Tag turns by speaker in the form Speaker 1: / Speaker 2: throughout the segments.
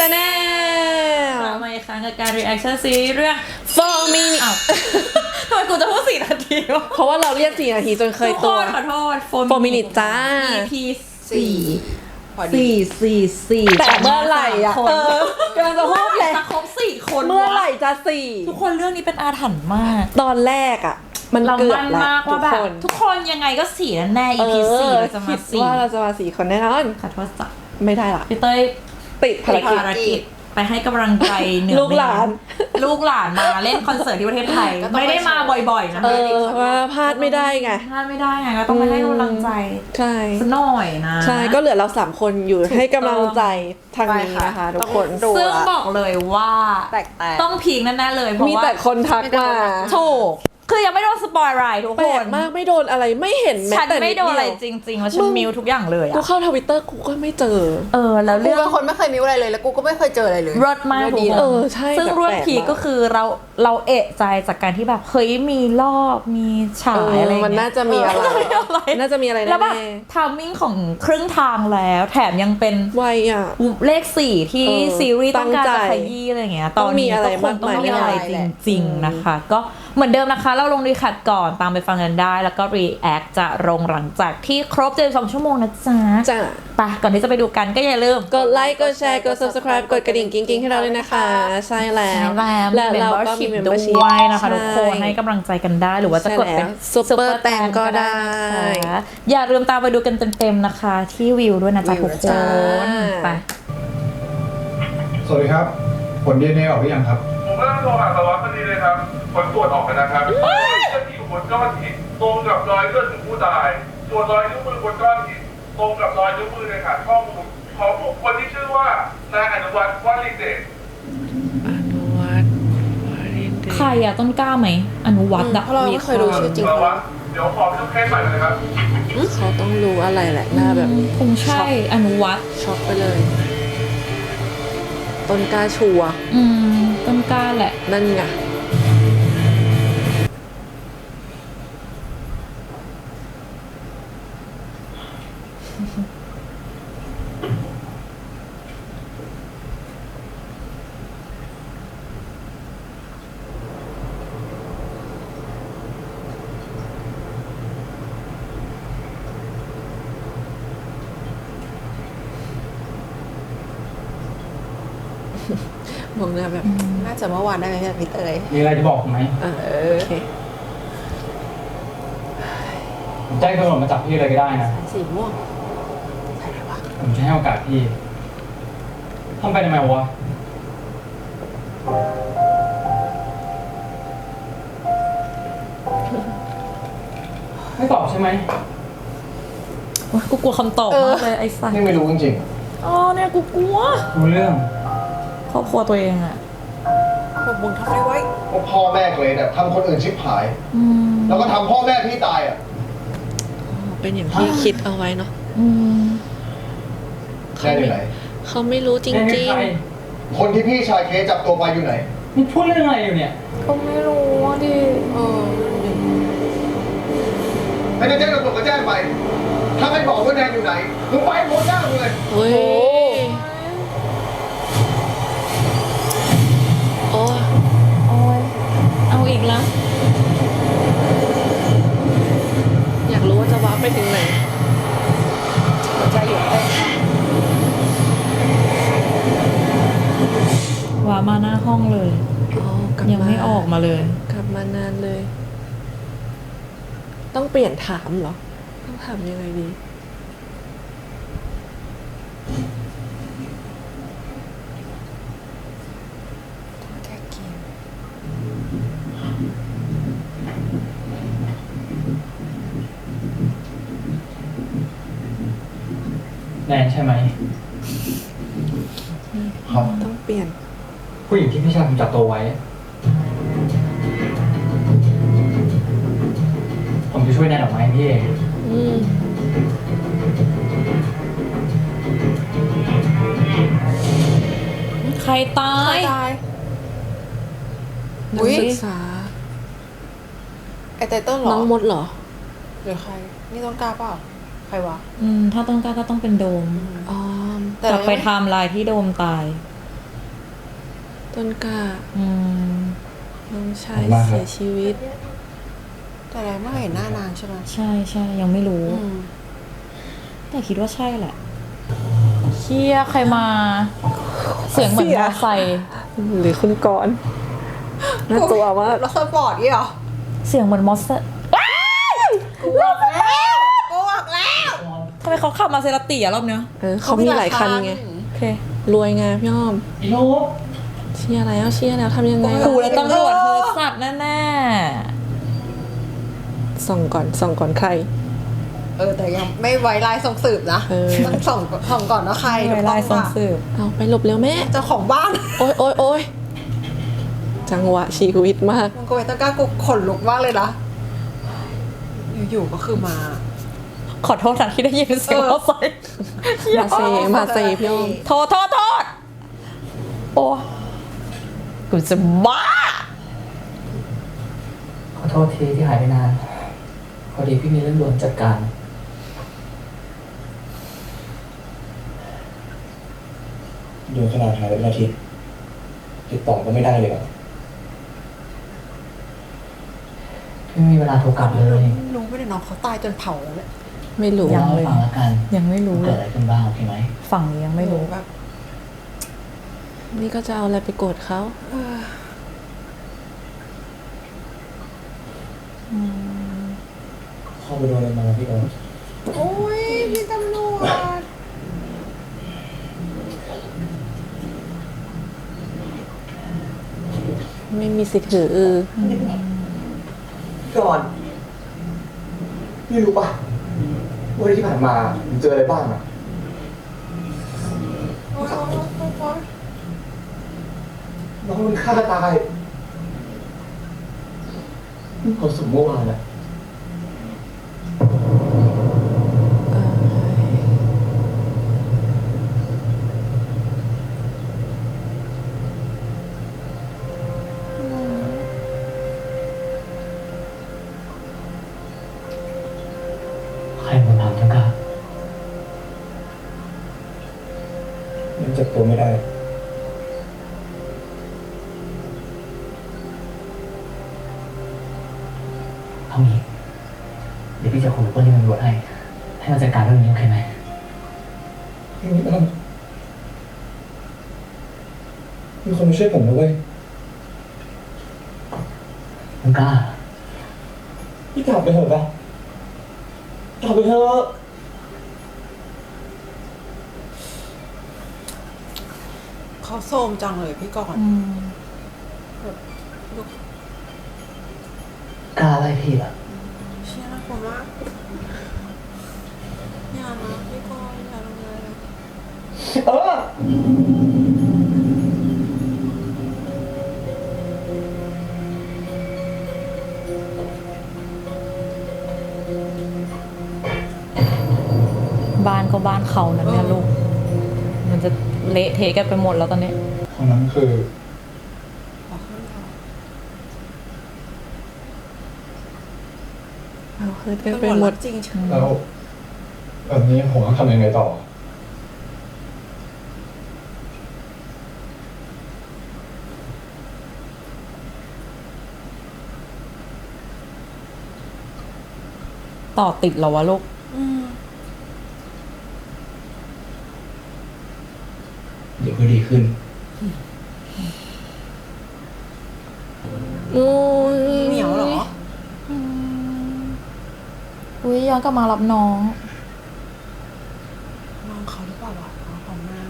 Speaker 1: Channel
Speaker 2: มาอีกครั้งกับการ reaction ซีรีส์เรื่อง
Speaker 1: 4 minutes
Speaker 2: อ้าวทำไมกูจะพูด4 นาทีวะ
Speaker 1: เพราะว่าเราเรียก4 นาทีจนเคยตัว
Speaker 2: ขอโทษ
Speaker 1: 4 minutes จ้า
Speaker 2: EP
Speaker 3: พอดี
Speaker 2: 4
Speaker 1: แต่เมื่อไหร่อ่ะกำลังจะพูดเลย
Speaker 2: จะครบ4 คน
Speaker 1: เมื่อไหร่จะ
Speaker 2: ทุกคนเรื่องนี้เป็นอาถรรพ์มาก
Speaker 1: 4ตอนแรกอ่ะ มัน
Speaker 2: เรา
Speaker 1: เกือบ
Speaker 2: มั่น
Speaker 1: แล้ว
Speaker 2: มาก
Speaker 1: ทุ
Speaker 2: ว่าก แบบ
Speaker 1: คน
Speaker 2: ทุกคนยังไงก็4แน่ๆ EP 4เราจะมา
Speaker 1: คิดว่าเราจะมา4 คนแน่นอน
Speaker 2: ขอโทษจ้ะ
Speaker 1: ไม่ได้ละ
Speaker 2: พี่เต้ย
Speaker 1: ติดภารกิจ
Speaker 2: ภารกิจไปให้กำลังใจเหนือ
Speaker 1: ลูกหลาน
Speaker 2: ลูกหลานมาเล่นคอนเสิร์ตที่ประเทศไทย
Speaker 3: ก็ต้อง
Speaker 2: ไม่ได้มาบ่อยๆนะ
Speaker 1: ว่าพลาดไม่ได้ไง
Speaker 2: พลาดไม่ได้ไงก็ต้องไปให้กำลังใจ
Speaker 1: ใช่
Speaker 2: สักหน่อยนะ
Speaker 1: ใช่ก็เหลือเรา3 คนอยู่ให้กำลังใจทางนี้นะคะทุกคน
Speaker 3: ดู
Speaker 2: ซึ่ง
Speaker 3: ละ
Speaker 2: บอกเลยว่า
Speaker 3: แตก
Speaker 2: ต้องพีคแน่ๆเลยเพราะ
Speaker 1: มี
Speaker 2: ว่า
Speaker 1: แต่คนทักมา
Speaker 2: ถูกคือยังไม่โดนสปอยล์อะไรทุก
Speaker 1: แป
Speaker 2: ค
Speaker 1: ล
Speaker 2: น
Speaker 1: กมากไม่โดนอะไรไม่เห็นแม้
Speaker 2: ฉัน
Speaker 1: แต่
Speaker 2: ไม่โดนอะไร
Speaker 1: เยว
Speaker 2: จริงๆแล้วฉันมิวทุกอย่างเลย
Speaker 1: กู
Speaker 2: อะ
Speaker 1: เข้าทวิตเตอร์กูก็ไม่เจอ
Speaker 2: แล้ว
Speaker 3: กู
Speaker 2: เรื่อง
Speaker 3: เป็นคนไม่เคยมีอะไรเลยแล้วกูก็ไม่เคยเจออะไรเลย
Speaker 2: รสมากทุก
Speaker 3: ดี
Speaker 2: ค
Speaker 3: นะ
Speaker 2: น
Speaker 1: ใช่
Speaker 2: ซึ่ง
Speaker 1: แบบ
Speaker 2: เรื่อง
Speaker 1: แปลก
Speaker 2: พีค
Speaker 1: มาก
Speaker 2: ก็คือเราเอะใจจากการที่แบบเฮ้ยมีรอบมีฉายอะไรอย่าง
Speaker 1: มัน
Speaker 2: เงี้ย
Speaker 1: น่าจะมีอะไร น่าจะมีอะไร
Speaker 2: แล้วแบบ
Speaker 1: แน่
Speaker 2: ทามมิ่งของครึ่งทางแล้วแถมยังเป็น
Speaker 1: ๆไวอ่ะ
Speaker 2: เลข4ที่
Speaker 1: เออ
Speaker 2: ซีรีส์ต้องการ
Speaker 1: ตั้
Speaker 2: จะ
Speaker 1: งใจ
Speaker 2: ขยี้อะไรอย่างเงี้ย
Speaker 1: ต้
Speaker 2: ต
Speaker 1: อ
Speaker 2: อง น
Speaker 1: มี
Speaker 2: นี้
Speaker 1: อะไร
Speaker 2: ก็คงต้องมีอะไร
Speaker 1: มากมาย
Speaker 2: จริงๆนะคะ ก็เหมือนเดิมนะคะเราลงรีแคปก่อนตามไปฟังกันได้ แล้วก็ react จะลงหลังจากที่ครบ72 ชั่วโมงนะจ๊ะ
Speaker 1: จ้ะ
Speaker 2: ไปก่อนที่จะไปดูกันก็อย่าลืม
Speaker 1: กดไลค์กดแชร์กด subscribe กดกระดิ่งกิ๊งๆให้เราด้วยนะคะ ใช่แล้ว
Speaker 2: และ
Speaker 1: และเราก็มี
Speaker 2: membership
Speaker 1: membership
Speaker 2: ด้วยนะคะ
Speaker 1: ใช่
Speaker 2: ทุกคนให้กำลังใจกันได้หรือว่าจะกดเป็น
Speaker 1: ใช่แล้ว Super แตงก็ได้
Speaker 2: นะคะอย่าลืมตามไปดูกันเต็มๆนะคะ ที่วิวด้วยนะจ๊ะทุกค
Speaker 1: จ้า
Speaker 2: นไป
Speaker 4: สวัสดีครับ ผล DNA ออกหรือยังครับ
Speaker 5: ผมก็ต้องโทรหาสารวัตรพอดีเลยครับ ผลตรวจออกแล้วนะครับเลือดที่อยู่บนก้อนหินตรงกับรอยเลือดของผู้ตาย ส่วนรอยนิ้วมือบนก้อนหินตรงกับรอยนิ้วมือในฐานข้อมูลของบุคคลที่ชื่อว่านายอนุวัฒน์วลินเดช
Speaker 1: อนุวัฒน์วรินทร์
Speaker 2: ใครอะต้นกล้าไหมอนุวัฒน์อะ
Speaker 3: เพราะเราไม่เคยดูชื่อจริง
Speaker 5: สาร
Speaker 3: เขา
Speaker 5: วัตรเดี๋ยวขอไปดูเคสใหม่เลยนะครับ
Speaker 1: เขาต้องรู้อะไรแหละหน้าแบบนี้
Speaker 2: คงใช่อนุวัฒน์
Speaker 1: ช็อกไปเลย ต้นกล้าชัวร์
Speaker 2: ต้นกล้าแหละ
Speaker 1: นั่นไงมองหน้าแบบ
Speaker 3: น่าจะเมื่อวานได้ไหมพี่เตย
Speaker 4: มีอะไรจะบอกผมไหม
Speaker 1: โอเค
Speaker 4: ผมแจ้งตำรวจมาจับพี่เลยก็ได้นะ
Speaker 3: สีม่วงใช่ไหมวะ
Speaker 4: ผมจะให้โอกาสพี่ทำไปทำไมวะ ไม่ตอบใช่ไหม
Speaker 2: ว่ากูกลัวคำตอบมากเลยไอ้สัส
Speaker 4: นี่ไม่รู้จริง
Speaker 2: อ๋อเนี่ยกูกลัว
Speaker 4: ๆรู้เรื่อง
Speaker 2: ครอบครัวตัวเองอะ
Speaker 3: พวกมึงทำได้ไว้
Speaker 6: พวกพ่อแม่เลยเนี่ยทำคนอื่นชิบหาย
Speaker 2: อืม
Speaker 6: แล้วก็ทำพ่อแม่พี่ตายอ่ะ
Speaker 1: เป็นอย่างที่คิดเอาไว้เนาะ
Speaker 2: อืม
Speaker 6: แค่อยู่ไหน
Speaker 1: เขาไม่รู้จ
Speaker 4: แค่
Speaker 1: ริง
Speaker 4: ใคร
Speaker 6: คนที่พี่ชายเคสจับตัวไปอยู่ไหน
Speaker 4: นี่พูดเรื่องอะไรอยู่เนี่ย
Speaker 2: ก็ไม่รู้อะดิ
Speaker 6: ไม่ได้แจ้งตำรวจก็แจ้งไป ถ้าไม่บอกว่าแดนอยู่ไหนมึงไปหมดหน้ามึงเลย
Speaker 1: ๆเฮ้ยโอ้
Speaker 2: โอ้ยเอาอีกแล้ว
Speaker 1: อยากรู้ว่าจะว้าร์ปไปถึงไหน
Speaker 3: หัวใจหยุดเต้น
Speaker 2: ว่ามาหน้าห้องเลย
Speaker 1: กลับ
Speaker 2: ยังไม่ออกมาเลย
Speaker 1: กลับมานานเลย ต้องเปลี่ยนถามเหรอ ต้องถามยังไงดี
Speaker 3: แท็กกิน
Speaker 4: แนนใช่ไหม
Speaker 6: ครับ
Speaker 1: ต้องเปลี่ยน
Speaker 4: ผู้หญิงที่พี่ชายผมจับตัวไว้ ผมจะช่วยแนนออกมาให้พี่เอง
Speaker 1: อืม
Speaker 2: ใครตาย
Speaker 3: ตาย
Speaker 1: นั
Speaker 3: อุ๊
Speaker 1: ก
Speaker 3: ย
Speaker 1: ศึกษา
Speaker 3: ไอไตเติ้ลเหรอ
Speaker 1: น้องมดเหรอ
Speaker 3: หรือใคร นี่ต้องกล้าเปล่า ใครวะ
Speaker 2: ถ้าต้องกล้าก็ต้องเป็นโดม
Speaker 1: อ๋อ
Speaker 3: แต่
Speaker 2: กลับไป
Speaker 3: เรายัง
Speaker 2: ไทม์ไลน์ที่โดมตาย
Speaker 1: ต้นกล้า
Speaker 2: อืม
Speaker 1: น้องชายเสียชีวิต
Speaker 3: แต่ไรไม่เห็นหน้านางใช่ไหม
Speaker 2: ใช่ใช่ยังไม่รู้
Speaker 3: อืม
Speaker 2: แต่คิดว่าใช่แหละเชี่ยใครมา เสียงเหมือนมอไซค์
Speaker 1: หรือคุณกรณ์น่ากลัวมาก
Speaker 3: รถสปอร์ตนี่เหรอ
Speaker 2: เสียงเหมือนมอไซค์
Speaker 3: กูบอกแล้วกูบอกแล้ว
Speaker 2: ทำไมเขาขับมาเซราติอะรอบเนี้ย
Speaker 1: เขามีหลายคันไง
Speaker 2: โอเค
Speaker 1: รวยไงพี่อ้อม
Speaker 6: ไอ้โน้ต
Speaker 1: เชียร์แล้วทำยังไง
Speaker 2: กูแล้วตำรวจเธอสัตว์แน่
Speaker 1: ส่องก่อนใคร
Speaker 3: แต่ยังไม่ไว้ลายส่งสืบนะ ต้องส่องก่อนว่าใคร
Speaker 2: ๆไวไล่ส่งสืบ
Speaker 1: เอาไปหลบเร็วแม่
Speaker 3: เจ้าของบ้าน
Speaker 1: โอ๊ยจังหวะชีวิตมาก
Speaker 3: มึงก็ไปต้นกล้ากูขนลุกมากเลยนะ อยู่ๆก็คือมา
Speaker 2: ขอโทษนะที่ได้ยินเสียงมอไซค์
Speaker 1: มาเซพี่อ้อม
Speaker 2: โทษโอ้กูจะบ้า
Speaker 7: ขอโทษทีที่หายไปนาน พอดีพี่มีเรื่องด่วนจัดการ
Speaker 6: ดูขนาดหายไปเป็นอาทิตย์ติดต่อก็ไม่ได้เลยอะ
Speaker 7: พี่ไม่มีเวลาโทรกลับเลย
Speaker 3: รู้ไม่ได้น้องเขาตายจนเผาแล้วเนี่ย
Speaker 1: ไม่รู้
Speaker 2: ยัง
Speaker 7: เล่า
Speaker 2: เล
Speaker 7: ให้
Speaker 2: ย
Speaker 7: ฟังแล้วกัน
Speaker 2: ยังไม่รู้
Speaker 7: ว่า
Speaker 2: เล
Speaker 7: เกิด
Speaker 2: ย
Speaker 7: อะไรขึ้นบ้างโอเคไหม
Speaker 2: ฝั่งนี้ยังไม่รู้
Speaker 3: แบบ
Speaker 1: นี่ก็จะเอาอะไรไปโกรธเขา
Speaker 6: เข้าไปโดนอะไรมาพี่โน้ต
Speaker 3: โอ้ยพี่ตำรวจ
Speaker 1: ไม่มีสิทธิ์ถือ
Speaker 6: ก่อนพี่รู้ปะว่าที่ผ่านมาผมเจออะไรบ้างอะน้องมันฆ่าตายเขาสมเมื่อวานอะ
Speaker 7: ใครมาทำจังกะ
Speaker 6: ยังจับตัวไม่ได้
Speaker 7: เอางี้เดี๋ยวพี่จะคุยกับเพื่อนที่ตำรวจให้มันจัดการเรื่องนี้โอเคไหม
Speaker 6: พี่มีคนมาช่วยผมนะเว้ย
Speaker 7: จังกะ
Speaker 6: พี่กลับไปเถอะปะกลับไปเถอะ
Speaker 3: เขาโซมจังเลยพี่ก่อน
Speaker 7: กล้าไล่พี่ละ
Speaker 3: เชี่ยน่ากลัวมากอย่านะพี่ก่อนอย่าลงเลยนะ
Speaker 6: เออ
Speaker 2: บ้านก็บ้านเขานะเนี่ยลูก มันจะเละเทะกันไปหมดแล้วตอนนี้
Speaker 4: คนนั้นคือ
Speaker 1: เอาคือกัน
Speaker 3: ตำ
Speaker 1: ไป
Speaker 3: รวจ
Speaker 1: หม
Speaker 3: รั
Speaker 1: ด
Speaker 3: กจริงใช่ไหม
Speaker 4: แล้วแบบนี้ผมต้องทำยังไงต่อ
Speaker 2: ต่อติดเหรอวะลูก
Speaker 6: เดี๋ยวก็ดีขึ้น
Speaker 1: โอ้ย
Speaker 3: เหนียวเหรอ
Speaker 2: อุ้ยย้อนกลับมารับน้อง
Speaker 3: น้องเขาหรือเปล่าวะน้องของนาง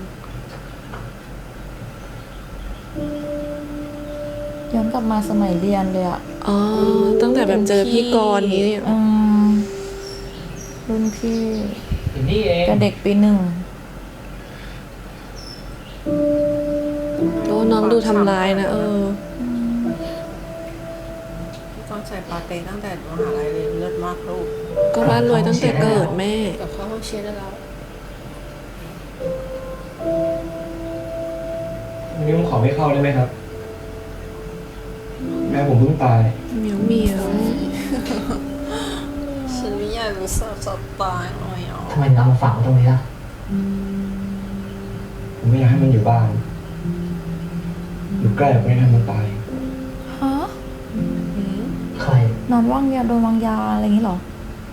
Speaker 2: ย้อนกลับมาสมัยเรียนเลยอะ
Speaker 1: อ๋อตั้งแต่แบบเจอพี่กรณ์นี้เนี่ย
Speaker 2: รุ่นพี่
Speaker 7: อยู่นี่เอง
Speaker 2: กับเด็กปีหนึ่ง
Speaker 1: โอ้น้องดูทำร้ายนะ
Speaker 3: พี่ก่อนใส่ปาเต้ตั้งแต่มหาลัยเลยเลิศมากลูก
Speaker 1: ก็บ้านรวยตั้งแต่เกิดแม่
Speaker 3: กับเข้าห้องเชียร์ได้แล้ว
Speaker 6: วันนี้ผมขอไม่เข้าได้ไหมครับ แม่ผมเพิ่งตาย
Speaker 1: เหมียว
Speaker 3: ฉันไม่อยากรู้สึกสตายเลยอ่ะ
Speaker 7: ทำไมถึงเอามาฝังไว้ตรงนี้ล่ะ
Speaker 6: ผมไม่อยากให้มันอยู่บ้าน มรือแกล้งไม่ให้มันตาย
Speaker 2: ฮะ
Speaker 7: ใคร
Speaker 2: นอนวางยาโดนวางยาอะไรอย่างนี้เหรอ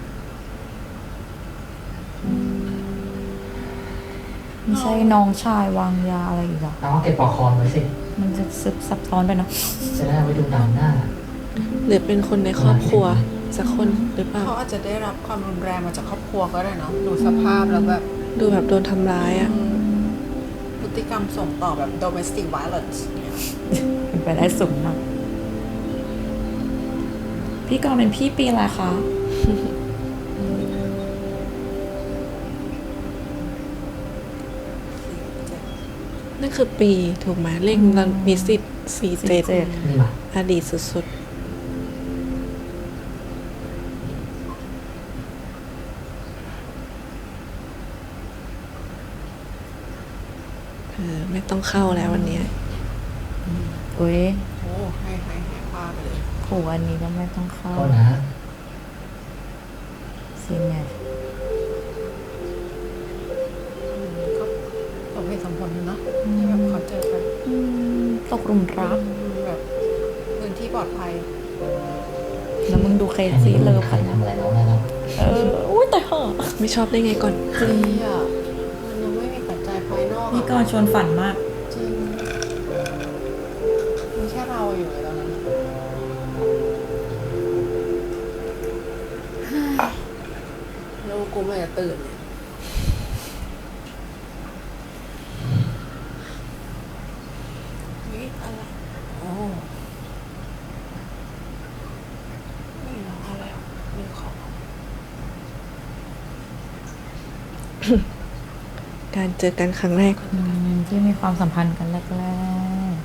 Speaker 2: ไม่ใช่น้องชายวางยาอะไรอีกเหรอ
Speaker 7: น้องเก็บปลอกคอไว้สิ
Speaker 2: มันจะซึบซับซ้อนไปเนาะ
Speaker 7: จะได้เอาไว้ดูตามหน้า
Speaker 1: หรือเป็นคนในครอบครัวสักคนหรือเปล่า
Speaker 3: เขาอาจจะได้รับความรุนแรงมาจากครอบครัวก็ได้เนาะดูสภาพแล้วแบบ
Speaker 1: ดูแบบโดนทำร้ายอ่ะ
Speaker 3: พฤติกรรมส่งต่อแบบ domestic violence เนี่ย
Speaker 2: เป็นไปได้สูงมากพี่กรณ์เป็นพี่ปีอะไรคะ
Speaker 1: นั่นคือปีถูกไหมเลขเรามีสิทธิ์47
Speaker 7: นี่มา
Speaker 1: อดีตสุดๆไม่ต้องเข้าแล้ววันเนี้ย
Speaker 2: อุ้ย
Speaker 3: โอ้ให้ผ้าไปเลย
Speaker 2: ผูอันนี้ก็ไม่ต้องเข้า
Speaker 7: ก็นะ
Speaker 2: ซีแมท
Speaker 3: ก็สมเหตุสมผลอยู่เนอะที่แบบเขาเจอกัน
Speaker 2: ตกหลุมรัก
Speaker 3: แบบพื้นที่ปลอดภัย
Speaker 2: แล้วมึงดูเค
Speaker 7: แค่
Speaker 2: ซี่
Speaker 7: นี้
Speaker 2: เลิ
Speaker 7: ไม่
Speaker 2: ฟ
Speaker 7: มีใครทำอะไรน้องได้แล้ว
Speaker 2: อุ้ยแต่เหอะ
Speaker 1: ไม่ชอบได้ไงก่อน
Speaker 3: จริงอ่ะมันยังไม่มีปัจจัยภายนอก
Speaker 2: พี่กรณ์ชวนฝันมาก
Speaker 3: จริงมีแค่เราอยู่เลยตอนนั้นแล้วกูไม่จะตื่นเนี่ยนี่อะไรโอ้ไม่รู้อะไรมีของ
Speaker 1: การเจอกันครั้งแรก
Speaker 2: ที่มีความสัมพันธ์กันแรก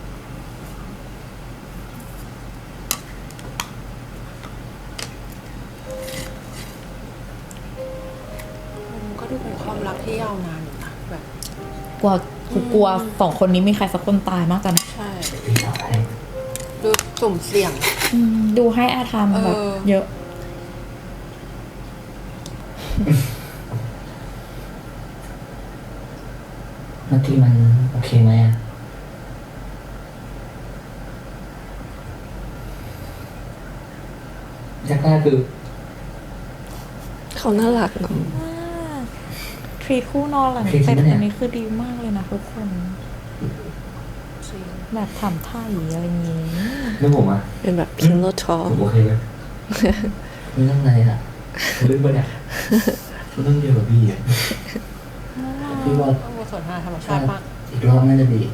Speaker 3: มันก็ดูเป็นความรักที่ยาวนานอยู่นะแบบ
Speaker 2: ๆกลัวสองคนนี้มีใครสักคนตายมากจัง
Speaker 3: ใช่
Speaker 7: พี่เอาให้
Speaker 3: ดูสุ่มเสี่ยง
Speaker 2: ดูให้อาธรรมแบบ เยอะ
Speaker 7: เมื่อกี้มันโอเคไหมอะแรกๆคือ
Speaker 1: เขาน่ารักเนาะ
Speaker 2: ทรีคู่นอนหลัง
Speaker 7: ทรีจริ
Speaker 2: เสร็
Speaker 7: ง
Speaker 2: จ
Speaker 7: ปะเนี่ย
Speaker 2: อันนี้คือดีมากเลยนะทุกคน แบบถามไถ่อะไรอย่างงี้
Speaker 7: เรื่องผมอะ
Speaker 1: เป็นแบบ pillow
Speaker 7: ผ
Speaker 1: talk
Speaker 7: มโอเคไหมเรื่องอะไรอะเรื่องปะเนี่ยเรื่องเดียวกับพี่อะพี่ว่า
Speaker 3: ต้องบทสนทนาธรรมชาติมาก
Speaker 7: อีกรอบน่าจะดี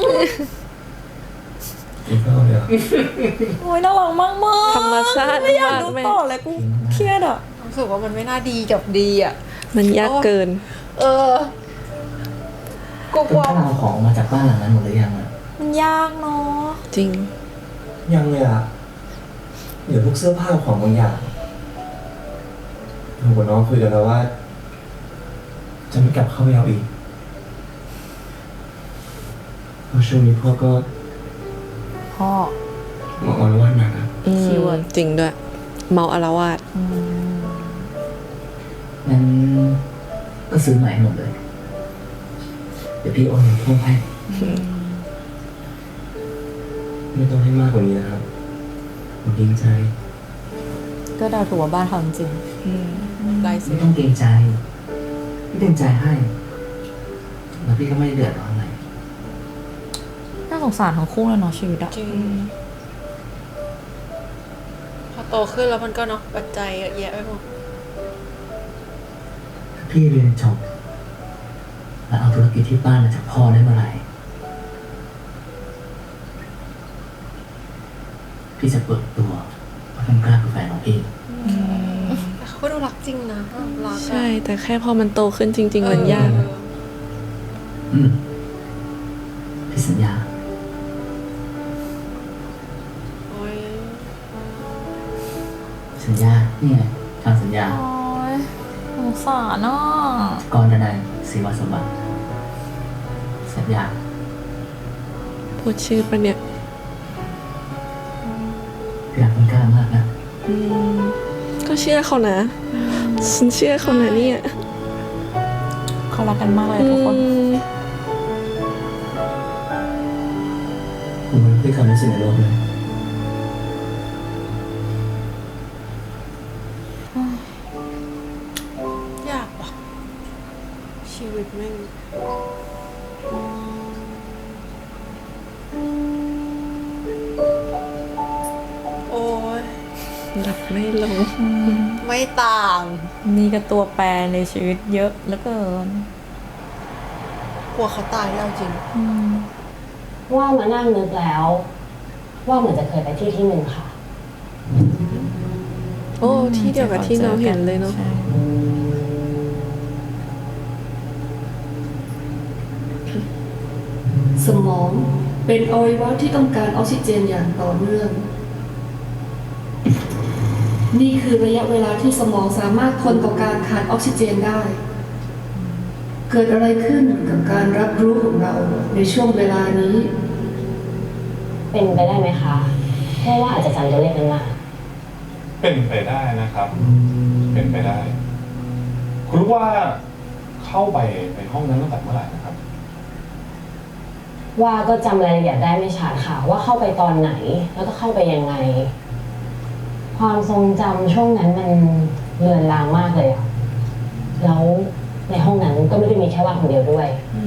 Speaker 7: อีกรอบเดียว
Speaker 2: โอ้ยน่ารักมากมาก
Speaker 1: ธรรมชาติ
Speaker 2: ไม่อยาก
Speaker 1: มาก
Speaker 2: ดู
Speaker 1: แม่
Speaker 2: ต่อเลยกูเครียดอ่ะ
Speaker 3: รู้สึกว่ามันไม่น่าดีกับดีอ่ะ
Speaker 1: มันยากเกิน
Speaker 3: เออ กูก
Speaker 7: ต้
Speaker 3: ลั
Speaker 7: อ
Speaker 3: ว
Speaker 7: งเอาของมาจากบ้านหลังนั้นหมดหรือยังอะ
Speaker 2: มันยากเนาะ
Speaker 1: จริง
Speaker 8: ยังเลยอะเดี๋ยวพวกเสื้อผ้าของบางอย่างผมกับน้องคุยกันแล้วว่า จะไม่กลับเข้าไปเอาอีกเพราะช่วงนี้พ่อก็
Speaker 2: พ่อ
Speaker 8: มาออนวันมานะ
Speaker 2: คีย์เวิร์ด
Speaker 1: จริงด้วย เมาอารวาส
Speaker 7: งั้นก็ซื้อใหม่หมดเลย เดี๋ยวพี่โอนเงินเพิ่มให้
Speaker 8: ไม่ต้องให้มากกว่านี้นะครับผมเกรงใจ
Speaker 2: ก็เดาถูกว่าบ้านเขาจริง
Speaker 3: ลายเซ็
Speaker 7: ไม่
Speaker 3: น
Speaker 7: ต้องเกรงใจ พี่เต็มใจให้ แล้วพี่ก็ไม่ได้เดือดร้อนอะไร
Speaker 2: ๆน่าสงสารทั้งคู่เลยเนาะชีวิตอะ
Speaker 3: จริง พอโตขึ้นแล้วมันก็เนาะปัจจัยเยอะแยะไปหมด
Speaker 7: ถ้าพี่เรียนจบ แล้วเอาธุรกิจที่บ้านมาจากพ่อได้เมื่อไหร่ พี่จะเปิดตัวว่าเป็นกล้าเป็นแฟนของพี่
Speaker 3: แต่เขาก็ดูรักจริงนะรักอะ
Speaker 1: ใช่ แต่แค่พอมันโตขึ้นจริง ๆ มันยาก
Speaker 3: เออ
Speaker 7: อืม พี่สัญญา
Speaker 3: โอ้ย
Speaker 7: สัญญา นี่ไงทางสัญญา
Speaker 2: โอ้ยสงสารเนาะ
Speaker 7: กรดนัยศรีวสมบัติ สัญญา
Speaker 1: พูดชื่อปะเนี่ย
Speaker 7: พี่รักคุณกล้ามากนะ
Speaker 1: ก็เชื่อเขานะ ฉันเชื่อเขานะเนี่ย
Speaker 2: เขารักกันมากเลยทุกคน
Speaker 7: คุณ
Speaker 8: ความรู้สึกในโลกเลย
Speaker 1: ยากว่ะ ชีวิตแม่ง โอ้ยหลับไม่ลง
Speaker 3: ไม่ต่าง
Speaker 2: มีกับตัวแปรในชีวิตเยอะเหลือเกิน
Speaker 3: กลัวเขาตายแล้วจริง
Speaker 9: ว่ามานั่งนึกแล้ว ว่าเหมือนจะเคยไปที่ที่หนึ่งค่ะ
Speaker 1: โอ้ ที่เดียวกับที่น้องเห็นเลยเนาะ
Speaker 2: ใช่
Speaker 10: สมองเป็นอวัยวะที่ต้องการออกซิเจนอย่างต่อเนื่อง นี่คือระยะเวลาที่สมองสามารถทนต่อการขาดออกซิเจนได้ เกิดอะไรขึ้นกับการรับรู้ของเราในช่วงเวลานี้
Speaker 9: เป็นไปได้ไหมคะเพราะว่าอาจจะจำตัวเลขนั้นมา
Speaker 5: เป็นไปได้นะครับ เป็นไปได้ คุณรู้ว่าเข้าไปในห้องนั้นตั้งแต่เมื่อไหร่นะครับ
Speaker 9: ว่าก็จำรายละเอียดได้ไม่ชัดค่ะ ว่าเข้าไปตอนไหน แล้วก็เข้าไปยังไง ความทรงจำช่วงนั้นมันเลือนลางมากเลยอะแล้วในห้องนั้นก็ไม่ได้มีแค่ว่าคนเดียวด้วย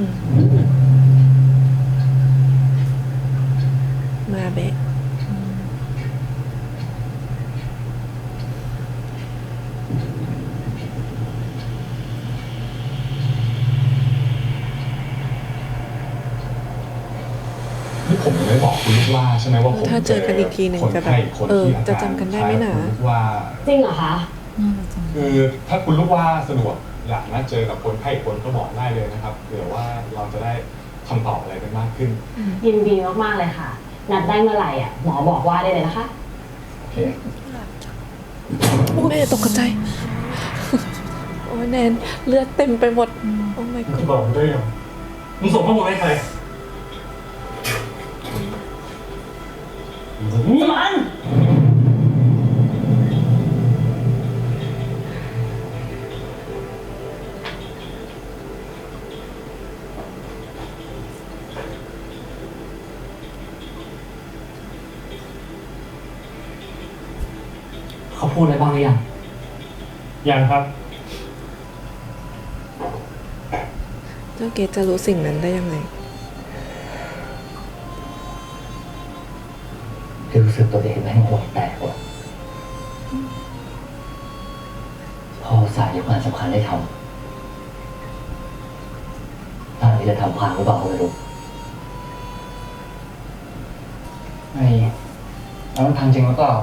Speaker 1: มาเบะ
Speaker 5: นี่ผมยังไม่บอกคุณลูกว่าใช่ไหมว่าผม
Speaker 1: ถ้าเจอกันอีกทีหนึ่ง
Speaker 5: คน
Speaker 1: จะแบบ
Speaker 5: ไข้คน
Speaker 1: เออ
Speaker 5: ที่อา
Speaker 1: จะ
Speaker 5: การ
Speaker 1: จำกันได้ไหมหนา
Speaker 5: คล้ายกับคุณลูกว่า
Speaker 9: จริงเหรอคะ
Speaker 5: คือถ้าคุณลูกว่าสะดวกอยากนัดเจอกับคนไข้อีกคนก็บอกได้เลยนะครับเผื่อว่าเราจะได้คำตอบอะไรกันมากขึ้น
Speaker 9: ยินดีมากๆเลยค่ะ นัดได้เมื่อไหร่อ่ะหมอบอกว่าได้เลยนะคะ
Speaker 5: โอเค
Speaker 1: โอ้แม่ตกใจ โอ้ยแนนเลือดเต็มไปหมด โอ้ my
Speaker 6: มึง
Speaker 1: god
Speaker 6: จะบอกมึงได้ยังมึงส่งข้อมูลให้ใครมัน
Speaker 7: เขาพูดอะไรบ้างหรือยัง
Speaker 6: ยังครับ
Speaker 1: เจ้าเกดจะรู้สิ่งนั้นได้ยังไง
Speaker 7: ที่รู้สึกตัวเองแม่งหัวแตกว่ะพ่อสายยกงานสำคัญได้ทำตอนนี้จะทำพังหรือเปล่าไม่รู้ไอ้แล้วมันพังจริงหรือเปล่า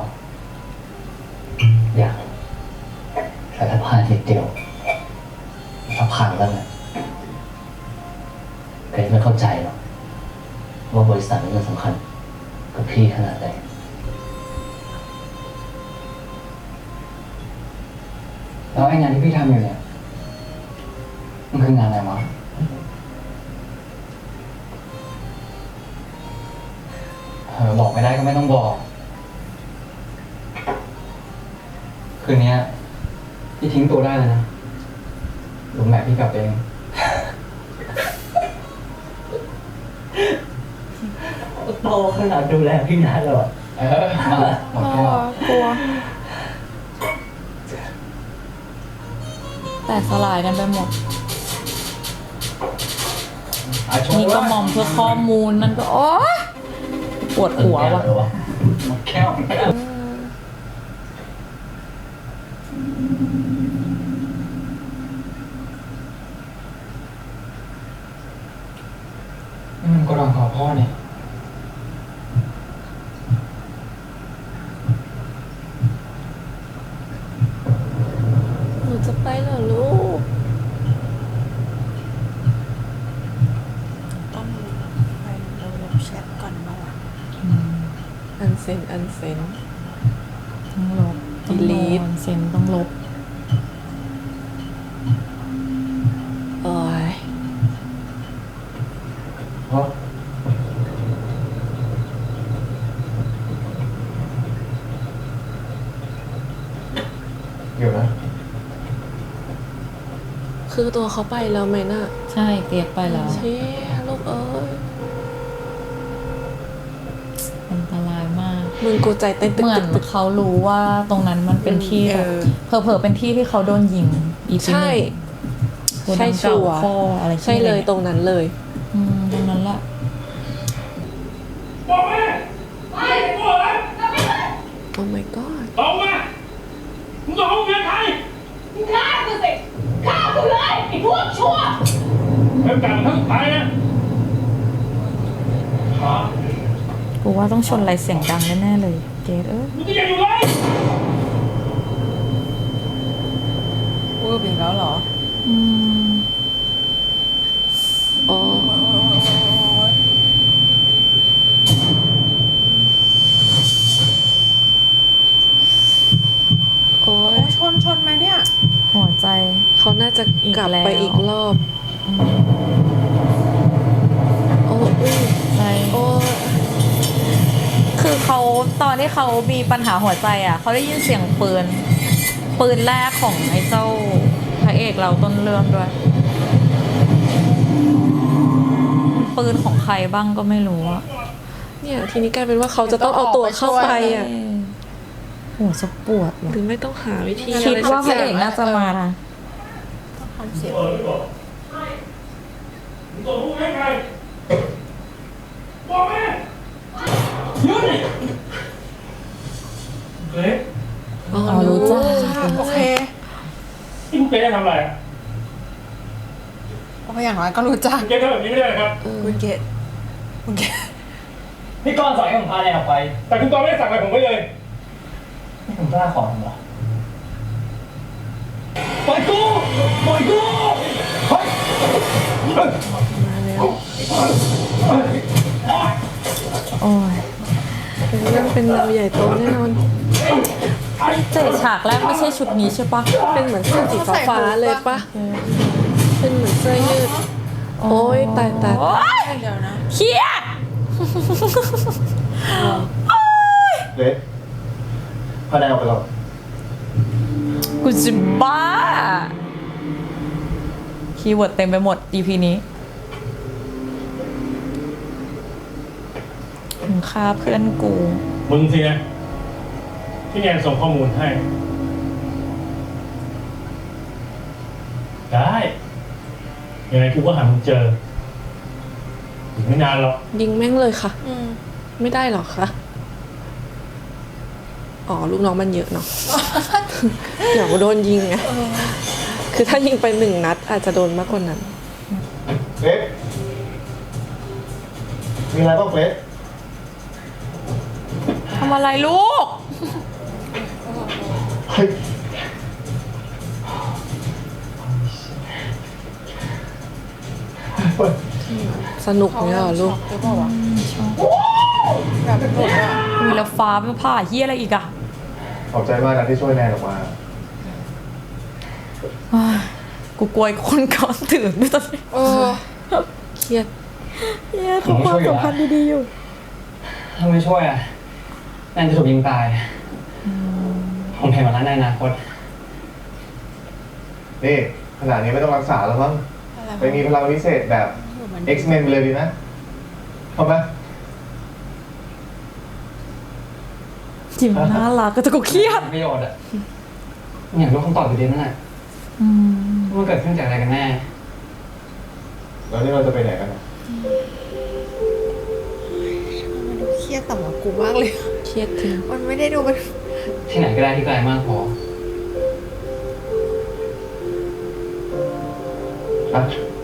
Speaker 7: อย่างแต่ถ้าพลาดนิดเดียวถ้าพังแล้วเนี่ยเกรซไม่เข้าใจหรอกว่าบริษัทนี้มันสำคัญกับพี่ขนาดไหนแล้วไอ้งานที่พี่ทำอยู่เนี่ยมันคืองานอะไรวะบอกไม่ได้ก็ไม่ต้องบอก คืนนี้พี่ทิ้งตัวได้เลยนะลุงแม่พี่กลับเอง โตขนาดดูแลพี่นัทเลยมาหมดแก้ว
Speaker 2: กลัว แต่สลายกันไปหมด นี่ก็มอมเพื่อข้อมูลนั่นก็โอ๊ยปวดหัวว่ะ
Speaker 7: หมดแก้วนี่มันก็รองขอพ่อเนี่ย
Speaker 1: หนูจะไปเหรอลูก
Speaker 3: ต้องไปเราลบแชทก่อนเมื่อวาน
Speaker 1: อันเซน อันเซน
Speaker 2: ต้องลบ
Speaker 1: Delete
Speaker 2: เซ็นต้องลบ
Speaker 1: โอ้ย
Speaker 7: เพราะเดี๋ยวนะ
Speaker 1: คือตัวเขาไปแล้วไหมน่ะ
Speaker 2: ใช่เกลียดไปแล้ว
Speaker 1: เชี่ยลูกเอ้ยมึงกูใจเต้นตึก
Speaker 2: เหมือน
Speaker 1: ตึก
Speaker 2: เขารู้ว่าตรงนั้นมันเป็นที่แบบเผลอๆเป็นที่ที่เขาโดนยิงอีพี
Speaker 1: ใช่
Speaker 2: หนึ่ง
Speaker 1: ใช่ชัวร์
Speaker 2: ข้ออะไร
Speaker 1: ใช่เลยตรงนั้นเลย
Speaker 2: ตรงนั้นแหละ
Speaker 5: บอกแม่ไม่บอกเลย
Speaker 1: โอ้ my god
Speaker 5: ตรงมามึงจะเอาเงินใคร
Speaker 9: ฆ่ากูสิฆ่ากูเลยไอ้พวกชั่ว
Speaker 5: เริ่มการครั้งสุดท้ายนะ
Speaker 2: กูว่าต้องชนอะไรเสียงดังแน่ๆเลย เกด
Speaker 5: มึงจะยังอยู่เลย
Speaker 3: พูดอีกแล้วเหรอ
Speaker 1: อ๋อโอ้ย
Speaker 3: ชนไหมเนี่ย
Speaker 2: หัวใจ
Speaker 1: เขาน่าจะกลับ
Speaker 2: อีกแล้ว
Speaker 1: ไปอีกรอบโอ้อุ้ย
Speaker 2: ใจ
Speaker 1: โอ้
Speaker 2: คือเขาตอนที่เขามีปัญหาหัวใจอ่ะเขาได้ยินเสียงปืนแรกของไอ้เจ้าพระเอกเราต้นเรื่องด้วย ปืนของใครบ้างก็ไม่รู้อะ
Speaker 1: เนี่ยทีนี้กลายเป็นว่าเขาจะต้องเอาตัวเข้าไปอ่ะ
Speaker 2: หัวจะปวดว่ะ
Speaker 1: หรือไม่ต้องหาวิธี
Speaker 2: คิดว่าพ
Speaker 1: สั
Speaker 2: ระเอกน่าจะมานะ
Speaker 5: มึงจะพูดให้ใครบอกแม่หยุดดิเล็ก
Speaker 1: อ๋อ
Speaker 2: รู้จ้า
Speaker 3: โอเค
Speaker 5: ที่มึงเจ๊ทำอะไรอ่ะ
Speaker 3: โอเคอย่างน้อยก็รู้จัก
Speaker 5: มึงเจ๊ทำแบบนี้ไม่ได้นะครับ
Speaker 3: คุณเกดคุณเกด
Speaker 7: พี่ก้อนสั่งให้ผมพาแนนออกไป
Speaker 5: แต่คุณตอนไม่ได้สั่งอะไรผมไว้เลย
Speaker 7: นี่ผมกล้าขอทำเหรอปล่อยกูปล่อยกูเฮ้ย
Speaker 2: โอ้ย
Speaker 1: เรื่องเป็นเราใหญ่โตแน่นอน
Speaker 2: แต่ฉากแรกไม่ใช่ชุดนี้ใช่ปะ
Speaker 1: เป็นเหมือนเสื้อสีฟ้าๆเลยปะเป็นเหมือนเสื้อยืด โอ้ยตาย
Speaker 2: โอ้ย
Speaker 3: เดี๋ยวนะ
Speaker 2: เครียด
Speaker 6: เล็กพาแนนออกไปก่อน
Speaker 2: กูจะบ้า คีย์เวิร์ดเต็มไปหมด EP นี้มึงฆ่าเพื่อนกู
Speaker 5: มึงสินะที่แนนส่งข้อมูลให้ ได้ยังไงกูก็หามึงเจออีกไม่นานหรอก
Speaker 1: ยิงแม่งเลยค่ะ ไม่ได้หรอคะ อ๋อลูกน้องมันเยอะเนาะ เดี๋ยวโดนยิงไง คือถ้ายิงไป1 นัดอาจจะโดนมากกว่านั้น
Speaker 6: เล็กมีอะไรบ้างเล็ก
Speaker 2: ทำอะไรลูก
Speaker 6: เฮ้ย
Speaker 1: สนุกเนี่ยเหรอลูก
Speaker 3: หรือเปล่าวะแบบเป็นผมอ่ะ
Speaker 2: มีแล้วฟ้าเป็นผ่าเฮียอะไรอีกอะ
Speaker 6: ขอบใจมากนะที่ช่วยแนนออกมา
Speaker 2: อ้ายกูกลัวไอ้คนก่อนถือด้วยตอนนี้
Speaker 1: เครียด
Speaker 2: เฮียคือความสัมพันธ์ดีๆอยู่
Speaker 7: ถ้าไม่ช่วยอ่ะแนนจะถูกยิงตาย ผมเห็นมาแล้วในอนาคต
Speaker 6: นี่ขนาดนี้ไม่ต้องรักษาแล้วมั้งไปมีพลังพิเศษแบบ X-Men ไปเลยดีนะพร้อมไหม
Speaker 2: จิ๋มน่ารักก็จะกูเครียด
Speaker 7: ประโยชน์อ่ะอยากรู้คำตอบอยู่ดีนั่นแหละว่ามันเกิดขึ้นจากอะไรกันแน่
Speaker 6: แล้วนี่เราจะไปไหนกันอะ
Speaker 3: มันดูเครียดต่ำกว่ากูมากเลย
Speaker 1: เครียดถึง
Speaker 3: มันไม่ได้ดูมัน
Speaker 7: ที่ไหนก็ได้ที่ไกลมากพอ
Speaker 6: อ่ะ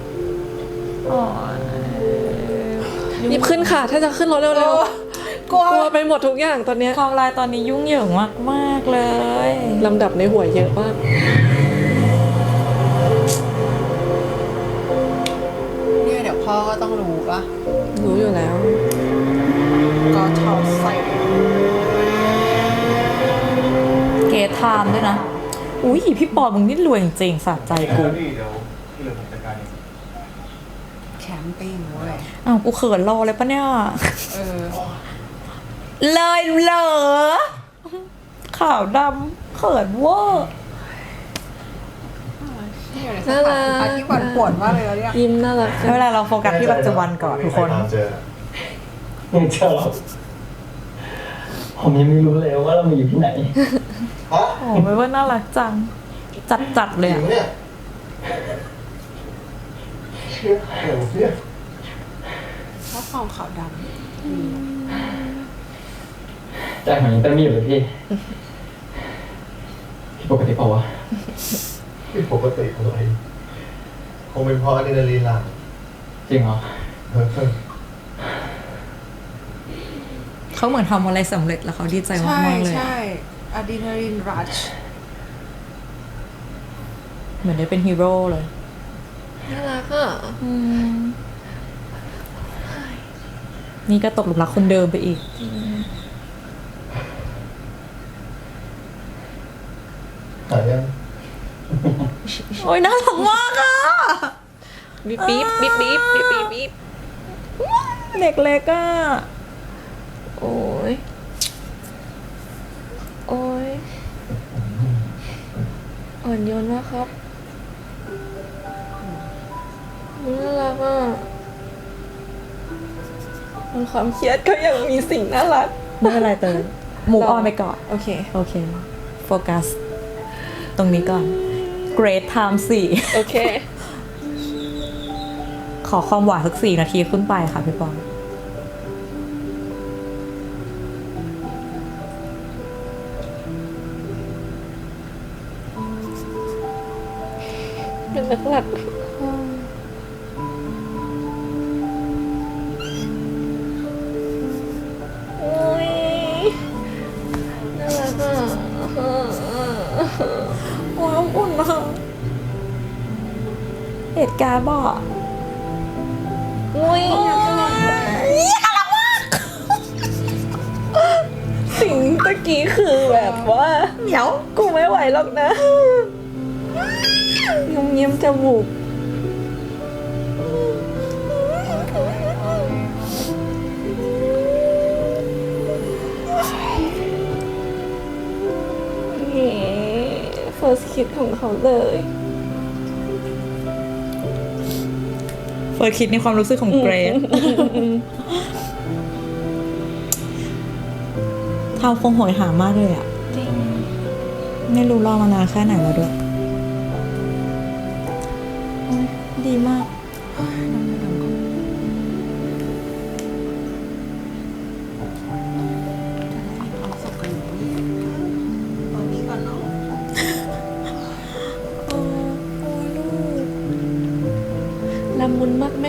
Speaker 1: รีบขึ้นค่ะ ถ้าจะขึ้นรถเร็วๆ กลัวไปหมดทุกอย่างตอนเนี้ย
Speaker 2: ความลายตอนนี้ยุ่งเหยิงมากๆเลย
Speaker 1: ลำดับในหัวเยอะมาก
Speaker 3: เนี่ยเดี๋ยวพ่อก็ต้องรู้ปะ
Speaker 1: รู้อยู่แล้ว
Speaker 3: ก็ชอบใส่
Speaker 2: เกทไทม์ด้วยนะ อุ้ยพี่ปอมึงนี่รวยจริงๆสะใจกู
Speaker 6: เดี๋ยวที่เหลือผมจัดการเอง
Speaker 3: แคมปิ้งเว้ย
Speaker 2: อ้าวกูเขินรอเลยปะเนี่ย เลยเหรอขาวดำเขินเวอร์
Speaker 1: น่ารัก
Speaker 3: ที่ปวดปวดมากเลยแล้วเนี่ย
Speaker 1: ยิ้มน่ารัก
Speaker 2: ไม่เป็นไรเราโฟกัสที่ปัจจุบันก่อนทุกคน
Speaker 6: ไม่มีใรตามเจอ
Speaker 7: มึงเจอหรอผผมยังไม่รู้เลยว่าเรามาอยู่ที่ไหน
Speaker 6: ฮะ
Speaker 2: โอ้ไม่ว่าน่ารักจัง จัดเลย
Speaker 6: จริ
Speaker 2: อะ
Speaker 6: งเนี่ยเชื่อใครวะเนี่ย
Speaker 3: ชอบความขาวด
Speaker 7: ใจผมยังเต้นไม่อยู่เลยพี่พี่ปกติเปล่าวะ
Speaker 6: ผิดปกติอะไรคงเป็นเพราะอะดรีนาลีนหลั่ง
Speaker 7: จริงเหรอ
Speaker 6: เออ
Speaker 2: เขาเหมือนทำอะไรสำเร็จแล้วเขาดีใจ
Speaker 3: ำ
Speaker 2: มากๆเลย
Speaker 3: ใช่อะดรีนาลีนรัช
Speaker 2: เหมือนได้เป็นฮีโร่เลย
Speaker 1: น่ารักอ่ะ
Speaker 2: นี่ก็ตกหลุมรักคนเดิมไปอีก
Speaker 6: หายยัง
Speaker 2: โอ้ยน่ารักมากอะ
Speaker 1: บีบบีบบีบบีบบีบบีบบีบ
Speaker 2: เด็กเล็กอะ
Speaker 1: โอ้ยโอ้ยอ่อนโยนมากครับน่ารักอ่ะบนความเครียดก็ยังมีสิ่งน่ารัก
Speaker 2: ไม่เป็นไรเตยมูฟออนไปก่อน
Speaker 1: โอเค
Speaker 2: โอเค โฟกัส ตรงนี้ก่อน Great Time 4
Speaker 1: โอเค
Speaker 2: ขอความหวานสัก4 นาทีขึ้นไปค่ะพี่ปอง
Speaker 1: เป็นนักหลักโอ้ยน่ารักอ่ะ
Speaker 2: ว้าวอุ่นมากเหตุการณ์บอก
Speaker 1: อุ้ยสิ่งตะกี้คือแบบว่าเหนียวกูไม่ไหวหรอกนะงมเงียมจมูกนี่ first kiss ของเขาเลย
Speaker 2: เฟิร์สคิดในความรู้สึกของเกรซทำคงโหยหามากเลยอ่ะ
Speaker 1: จริง
Speaker 2: ไม่รู้รอมานานแค่ไหนแล้วด้วยโอ๊ยดีมาก
Speaker 3: ตอนนี้ก่อนเนาะ
Speaker 1: โอ้ยลูกละมุนมากแม่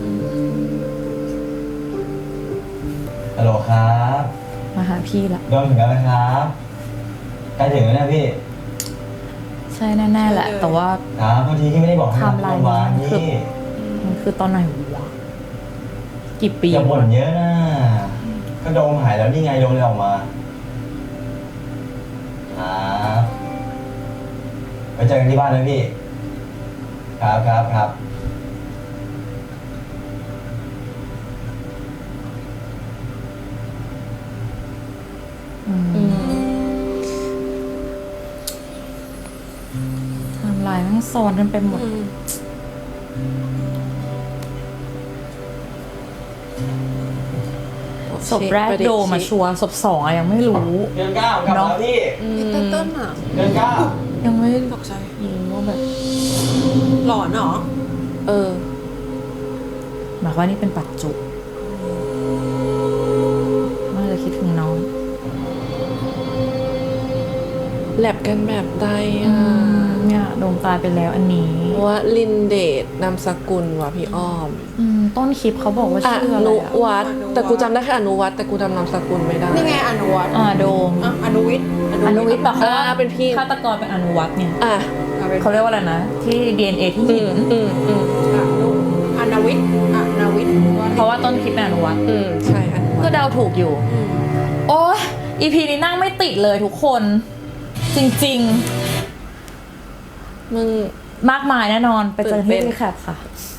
Speaker 8: ฮัลโหลครับ
Speaker 2: มาหาพี่ละ
Speaker 8: โดนถึงแล้วนะครับใกล้ถึงแล้วนะพี่
Speaker 2: ใช่แน่ๆแหละ แต่ว่า
Speaker 8: ครับบางทีที่ไม่ได้บอกให้
Speaker 2: ไทม์ไลน์
Speaker 8: วาน
Speaker 2: มันคือ
Speaker 8: นี่
Speaker 2: มันคือตอนไหนวะกี่ปี
Speaker 8: อย่าบ่นเยอะนะ ก็โดมหายแล้วนี่ไงโดมเลยออกมาครับไปเจอกันที่บ้านนะพี่ ครับครับครับ
Speaker 2: ไทม์ไลน์ทั้งซ้อนกันไปหมด ศพแรกโดมาชัวร์ศพ2อะยังไม่รู้
Speaker 8: เดือนเก้ากลับแล้วพี่
Speaker 3: พี่เต้นอ่ะ
Speaker 8: เดือนเก้า
Speaker 2: ยังไม่
Speaker 3: ตกใจ
Speaker 2: รู้ว่าแบบ
Speaker 3: หลอนเหรอ
Speaker 1: เออ
Speaker 2: หมายความว่านี่เป็นปัจจุน่าจะคิดถึงน้อง
Speaker 1: แลบกันแบบใดอ่ะ
Speaker 2: เนี่ยโดมตายไปแล้วอันนี้
Speaker 1: ว่าลินเดชนามสกุลว่ะพี่อ้อม
Speaker 2: ต้นคลิปเขาบอกว่า
Speaker 1: อ
Speaker 2: ชื่ออะไร
Speaker 1: นุ
Speaker 2: อะ
Speaker 1: วัฒน์แต่กูจำได้แค่อนุวัฒน์แต่กูจำนามสกุลไม่ได้
Speaker 3: นี่ไงอนุวัฒน์
Speaker 2: โดม
Speaker 3: อ่ะอนุวิทย์
Speaker 2: อนุวิทย์แบบเขาว่า
Speaker 1: เป็นพี่
Speaker 2: ฆาตกรเป็นอนุวัฒน์เนี่ย
Speaker 1: อ่ะ
Speaker 2: เขาเรียกว่าอะไรนะ ที่ DNA ที่หิน
Speaker 3: อนุวิทย์อนุวิทย์
Speaker 2: เพราะว่าต้นคลิปเป็นอนุวัฒน์
Speaker 1: ใช่อนุวั
Speaker 2: ก็
Speaker 1: ฒน์
Speaker 2: เดาถูกอยู่ โอ้ย EP นี้นั่งไม่ติดเลยทุกคน จริง
Speaker 1: มึง
Speaker 2: ๆ มากมายแน่นอน ไปเจอที่
Speaker 1: ตื่นเต้น
Speaker 2: รีแคปค่ะ